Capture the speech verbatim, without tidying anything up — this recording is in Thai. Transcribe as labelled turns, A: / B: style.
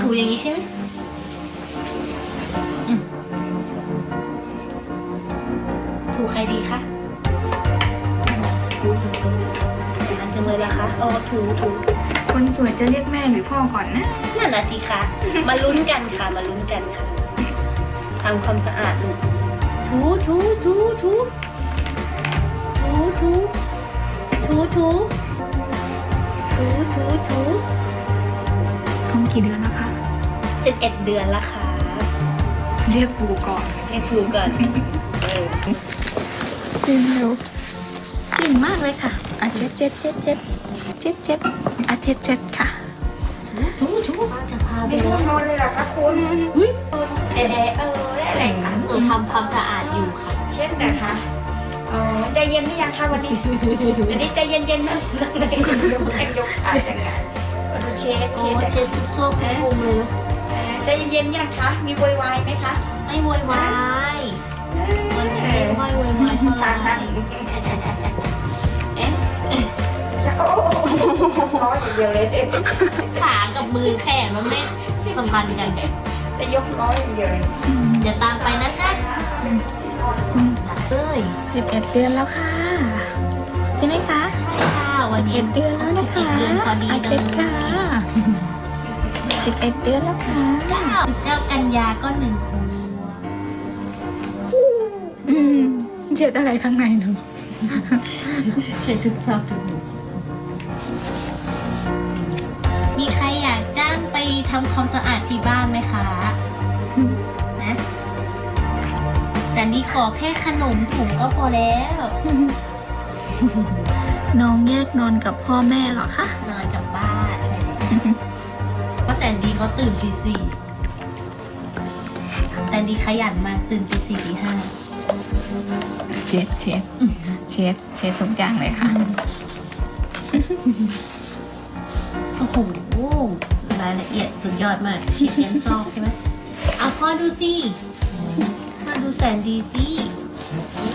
A: ถูอย่างนี้ใช่ไหมอืมถูใครดีคะถูถูถูนานจังเลยละคะอ๋อถูถู
B: คนสวยจะเรียกแม่หรือพ่อก่อนนะ
A: นั่นน่ะสิคะมาลุ้นกันค่ะมาลุ้นกันค่ะทำความสะอาดลูกถูถูถูถูถูถูถูถูถูถูถู
B: ท้องกี่เดือนแล้วคะ
A: สิบเอ็ดเดือนละค่ะ
B: เรียกปู่ก่อน
A: ให้ครูก่อนเออ
B: ตื่นเร็วเก่งมากเลยค่ะอ่ะเจ็ดเจ็ดเจ็ดเจ็ดเจ็ดเจ็ดอ่ะเจ็ดเจ็ดค่ะ
A: ถูถูจะพาไป
C: ไม่
A: เล
C: ง่วง
A: ย
C: นอนเลยเหรอคะคุณ
A: อุ้ย
C: เอะเออได้อะไรคะ
A: หนูทำความสะอาดอยู่ค่ะ
C: เช่นนะคะอ๋อใจเย็นหรือยังคะวันนี้วันนี้ใจเย็นๆนะนั่งเลยยกแข้งยกขาจังไงดูเช็ด
A: โอ้
C: เช็ด
A: เช็ดทุกซอกทุกมุมเลยนะ
C: ใจเย็นๆยังคะมีโวยวายไหมคะ
A: ไม่โวยวายมันไม่ค่อยโวยวายเท่าไหร่
C: เอ๊ะโอ้ร้อยอย่างเดียวเลย
A: ขากับมือแขนมันไม่สัมพันธ์กัน
C: จะยกร้อยอย่างเดียวเลย
A: อย่าตามไปนะคะเอ้ย
B: สิบเอ็ดเดือนแล้วค่ะใช่ไหมคะ
A: ใช่ค่ะวั
B: สิ
A: น
B: บ
A: นี้
B: เอ็ดเดือนแล้วนะ
A: สิบ
B: คะ
A: เอ็ดเดือนพอดี
B: อ่ะ
A: เล
B: เจ็
A: ย
B: ดค่ะสิบเอ็ดเดือนแล้วค่ะ
A: เก้าสิบเก้ากันยาก็หนึ่งขวบ
B: อืมเจ็ดอะไรข้างในหนู
A: เช็ดทุกซอกทุกมุมมีใครอยากจ้างไปทำความสะอาดที่บ้านไหมคะนะแต่นี่ขอแค่ขนมถุงก็พอแล้ว
B: น้องแยกนอนกับพ่อแม่เหรอคะ
A: นอนกับบ้านใช่ไหมเพราะแสนดีเขาตื่นตีสี่แต่ดีขยันมากตื่นตีสี่ตีห้า
B: เช็ดเช็ดเช็ดเช็ดทุกอย่างเลยค่ะ
A: โอ้โหรายละเอียดสุดยอดมากเช็ดเย็นซอกใช่ไหมเอาพ่อดูสิพ่อดูแสนดีสิ